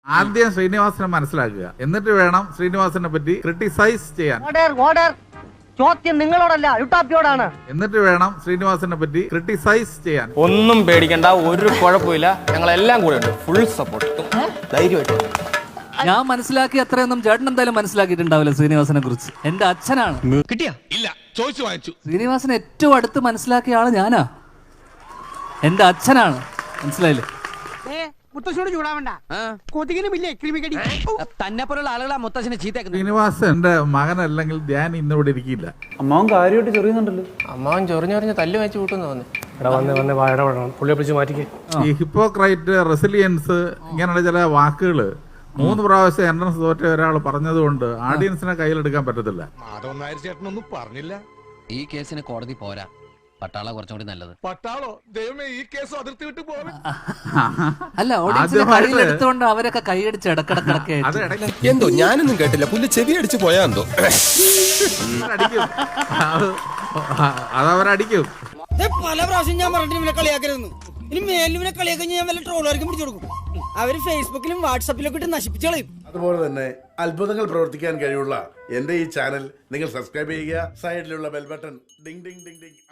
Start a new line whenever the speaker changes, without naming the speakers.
ആദ്യം ശ്രീനിവാസനെ മനസ്സിലാക്കുക, എന്നിട്ട് വേണം ശ്രീനിവാസനെ പറ്റി ക്രിട്ടിസൈസ് ചെയ്യാൻ.
ചോദ്യം നിങ്ങളോടല്ല, യുട്ടാപ്പിയോടാണ്.
എന്നിട്ട് വേണം ശ്രീനിവാസനെ പറ്റി ക്രിട്ടിസൈസ് ചെയ്യാൻ.
ഒന്നും പേടിക്കണ്ട, ഒരു കുഴപ്പമില്ല, ഞങ്ങളെല്ലാം കൂടെ ഉണ്ട്, ഫുൾ സപ്പോർട്ട്, ധൈര്യമായിട്ട്.
ഞാൻ മനസ്സിലാക്കി അത്രയൊന്നും ചേട്ടൻ എന്തായാലും മനസ്സിലാക്കിയിട്ടുണ്ടാവില്ല ശ്രീനിവാസനെ കുറിച്ച്. എന്റെ അച്ഛനാണ്.
കിട്ടിയാ? ഇല്ല, ചോദിച്ചു വാങ്ങിച്ചു.
ശ്രീനിവാസനെ ഏറ്റവും അടുത്ത് മനസ്സിലാക്കിയ ആള് ഞാനാ. എന്റെ അച്ഛനാണ്, മനസ്സിലായില്ലേ?
മുത്തശ്ശോട് ചൂടാവണ്ട, കൊതുകിനുമില്ലേ ക്രിമികടി.
തന്നെ പോലുള്ള ആളുകളാ മുത്തശ്ശനെ ചീത്തേക്കുന്നത്.
ശ്രീനിവാസന്റെ മകനല്ലെങ്കിൽ ഞാൻ ഇന്നിവിടെ ഇരിക്കില്ല.
അമ്മാവൻ കാര്യമായിട്ട് ചെറിയുന്നുണ്ടല്ലോ.
അമ്മാവൻ ചൊറിഞ്ഞൊറിഞ്ഞ് തല്ല് വെച്ച് കൂട്ടുന്നു തോന്നി.
പുള്ളിയെ പിടിച്ച് മാറ്റിക്കേ.
ഈ ഹിപ്പോക്രൈറ്റ്, റെസിലിയൻസ്, ഇങ്ങനെയുള്ള ചില വാക്കുകള് 3 പ്രാവശ്യം എൻട്രൻസ് തോറ്റ ഒരാൾ പറഞ്ഞതുകൊണ്ട് ഓഡിയൻസിനെ കയ്യിലെടുക്കാൻ പറ്റത്തില്ല.
മാധവൻ നായർ ചേട്ടനൊന്നും പറഞ്ഞില്ല.
ഈ കേസിന് കോടതി പോരാ, പട്ടാള കുറച്ചും കൂടി നല്ലത്.
പട്ടാളോ? ദൈവമേ, ഈ കേസ് അതിർത്തി വിട്ട് പോകും.
അല്ല, ഓഡിയൻസിനെ കയ്യിലെടുത്തുകൊണ്ട് അവരൊക്കെ കൈയടിച്ച് ഇടക്കിടക്കിടക്കെ
എന്തോ ഞാനൊന്നും കേട്ടില്ല, പുല്ല് ചെവി അടിച്ച് പോയാ എന്തോ.
അതവരടിക്കും.
പല പ്രാവശ്യം ഞാൻ പറഞ്ഞിട്ട് ഇവനെ കളിയാക്കരുതെന്ന്. ഇനി മേലിനെ കളിയാക്കി ഞാൻ വല്ല ട്രോളുകാർക്കും പിടിച്ചു കൊടുക്കും. അവര് ഫേസ്ബുക്കിലും വാട്സാപ്പിലൊക്കെ ഇട്ട് നശിപ്പിച്ചു കളയും.
അതുപോലെ തന്നെ അത്ഭുതങ്ങൾ പ്രവർത്തിക്കാൻ കഴിവുള്ള എന്റെ ഈ ചാനൽ നിങ്ങൾ സബ്സ്ക്രൈബ് ചെയ്യുക. സൈഡിലുള്ള bell button ding ding ding Ding